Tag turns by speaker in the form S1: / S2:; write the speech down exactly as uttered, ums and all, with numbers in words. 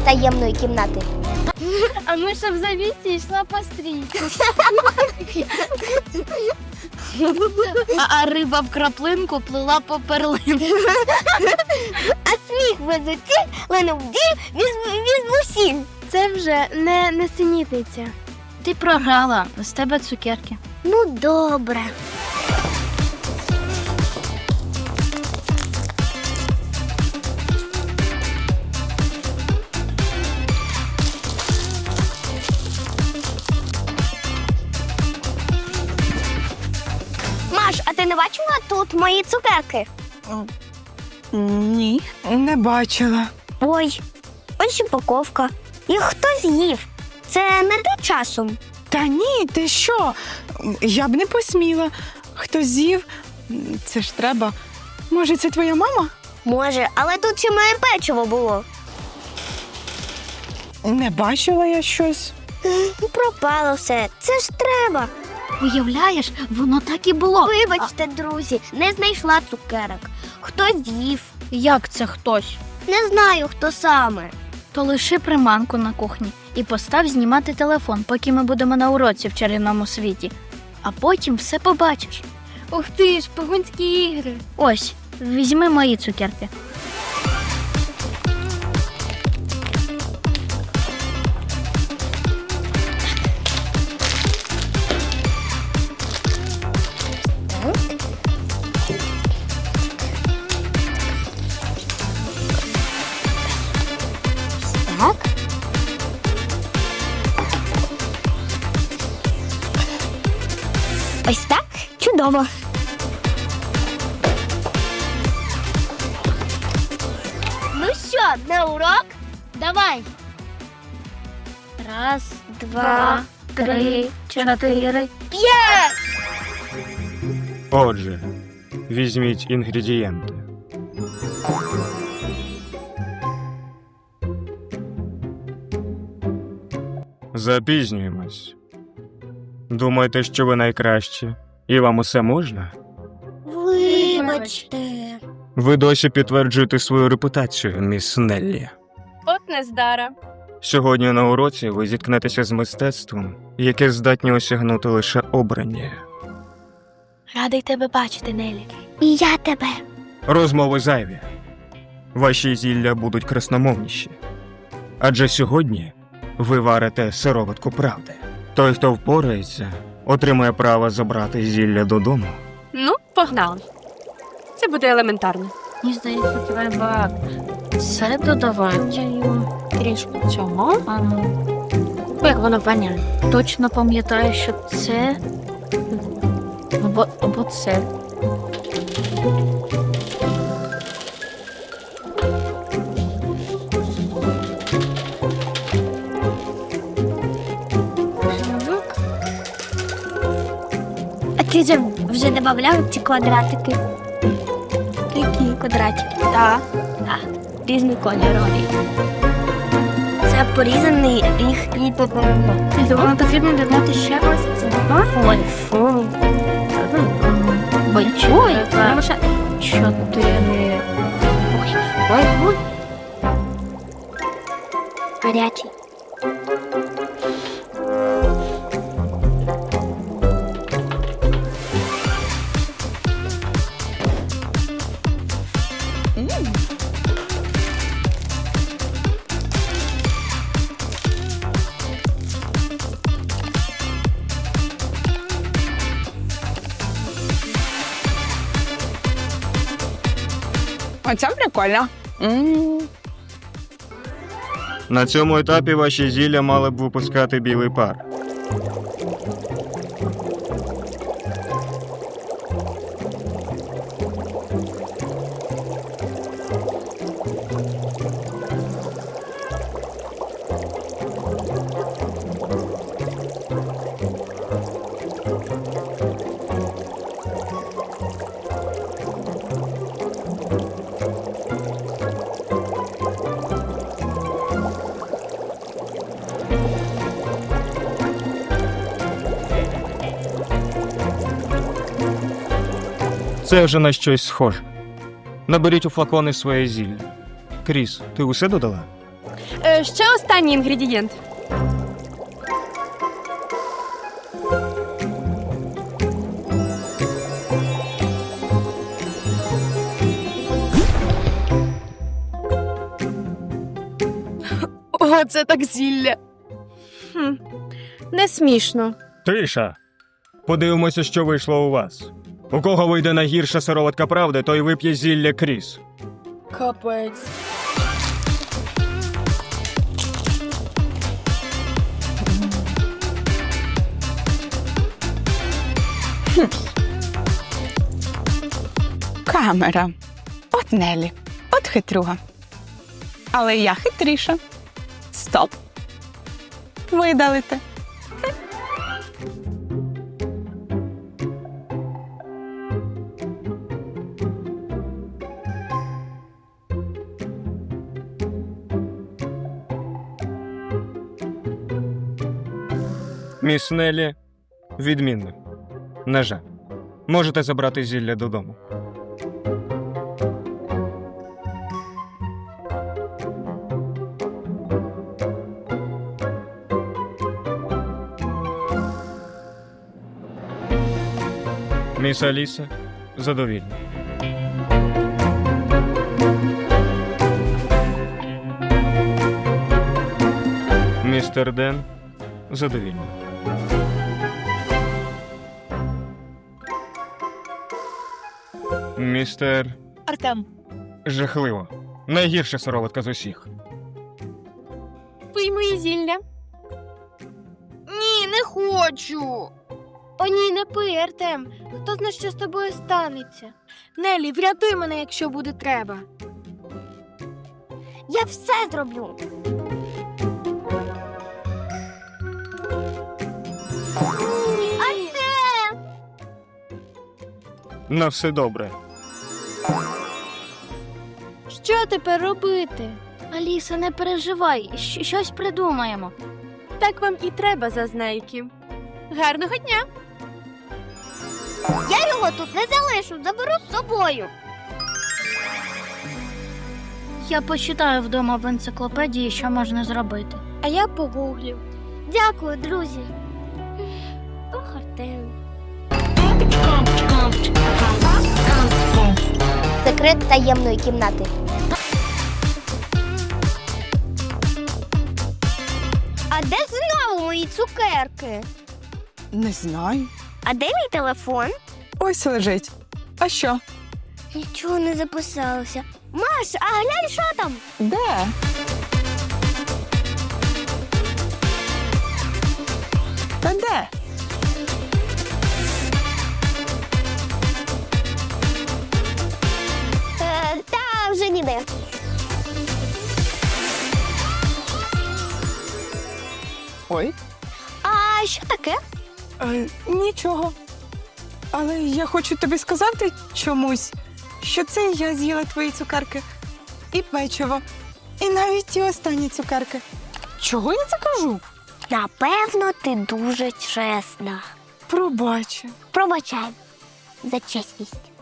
S1: таємної кімнати.
S2: А миша в завісі йшла по стрічці. А, а риба в краплинку плила по перлинку.
S1: А сміх везуці, линув дім, візьму сіль.
S2: Це вже не несенітниця. Ти програла, з тебе цукерки.
S1: Ну, добре. Маш, а ти не бачила тут мої цукерки?
S3: Ні, не бачила.
S1: Ой, ось упаковка. Їх хтось з'їв. Це не ти часом?
S3: Та ні, ти що? Я б не посміла. Хто з'їв? Це ж треба. Може, це твоя мама?
S1: Може, але тут ще моє печиво було.
S3: Не бачила я щось.
S1: Пропало все. Це ж треба.
S2: Уявляєш, воно так і було.
S1: Вибачте, друзі, не знайшла цукерок. Хтось з'їв.
S2: Як це хтось?
S1: Не знаю, хто саме.
S2: То лиши приманку на кухні і постав знімати телефон, поки ми будемо на уроці в чарівному світі. А потім все побачиш. Ух ти ж, погунські ігри. Ось, візьми мої цукерки.
S1: Так. Ось так? Чудово. Ну що, на урок?
S2: Давай. Раз,
S1: Два,
S2: три, чотири.
S1: П'ять!
S4: Отже, візьміть інгредієнти. Запізнюємось. Думаєте, що ви найкращі? І вам усе можна?
S1: Вибачте.
S4: Ви досі підтверджуєте свою репутацію, міс Неллі.
S2: От нездара.
S4: Сьогодні на уроці ви зіткнетеся з мистецтвом, яке здатні осягнути лише обрані.
S2: Радий тебе бачити, Нелі.
S1: І я тебе.
S4: Розмови зайві. Ваші зілля будуть красномовніші. Адже сьогодні ви варите сироватку правди. Той, хто впорається, отримає право забрати зілля додому.
S5: Ну, погнали. Це буде елементарно.
S2: Мені здається, треба це додавати.
S5: Трішки цього.
S2: А, як воно воняє. Точно пам'ятаю, що це або, або це.
S1: А ти вже, вже додавав ці квадратики? Які квадратики? Так. Так. Різнокольорові. Це порізаний їх і попередньо.
S2: Я думаю, потрібно додати ще ось це.
S1: Ой, фу.
S2: Ой, треба чотири.
S1: Ой, ой. Гарячий.
S3: Оце прикольно. М.
S4: На цьому етапі ваші зілля мали б випускати білий пар. Це вже на щось схоже. Наберіть у флакони своє зілля. Кріс, ти усе додала?
S5: Е, ще останній інгредієнт.
S3: О, це так зілля.
S5: Хм. Не смішно.
S4: Тиша. Подивимося, що вийшло у вас. У кого вийде найгірша сироватка правди, той вип'є зілля Кріс.
S3: Капець. Камера. От Нелі. От хитруга. Але я хитріша. Стоп. Видалите.
S4: Міс Неллі, відмінно. На жаль. Можете забрати зілля додому. Міс Аліса, задовільно. Містер Ден, задовільно. Містер...
S3: Артем.
S4: Жахливо. Найгірша сироватка з усіх.
S5: Пий мої зілля.
S2: Ні, не хочу. О, ні, не пий, Артем. Хто знає, що з тобою станеться? Нелі, врятуй мене, якщо буде треба.
S1: Я все зроблю. Артем!
S4: На все добре.
S2: Що тепер робити? Аліса, не переживай, щ- щось придумаємо.
S5: Так вам і треба, зазнайки. Гарного дня!
S1: Я його тут не залишу, заберу з собою.
S2: Я почитаю вдома в енциклопедії, що можна зробити. А я погуглю.
S1: Дякую, друзі. Ох, Артем. Секрет таємної кімнати. А де знову мої цукерки?
S3: Не знаю.
S1: А де мій телефон?
S3: Ось лежить. А що?
S1: Нічого не записалося. Маш, а глянь, що там?
S3: Де? Та де?
S1: Е, та вже ніде.
S3: Ой.
S1: А що таке?
S3: Е, нічого. Але я хочу тобі сказати чомусь, що це я з'їла твої цукерки. І печиво. І навіть ті останні цукерки. Чого я це кажу?
S1: Напевно, ти дуже чесна.
S3: Пробач.
S1: Пробачай за чесність.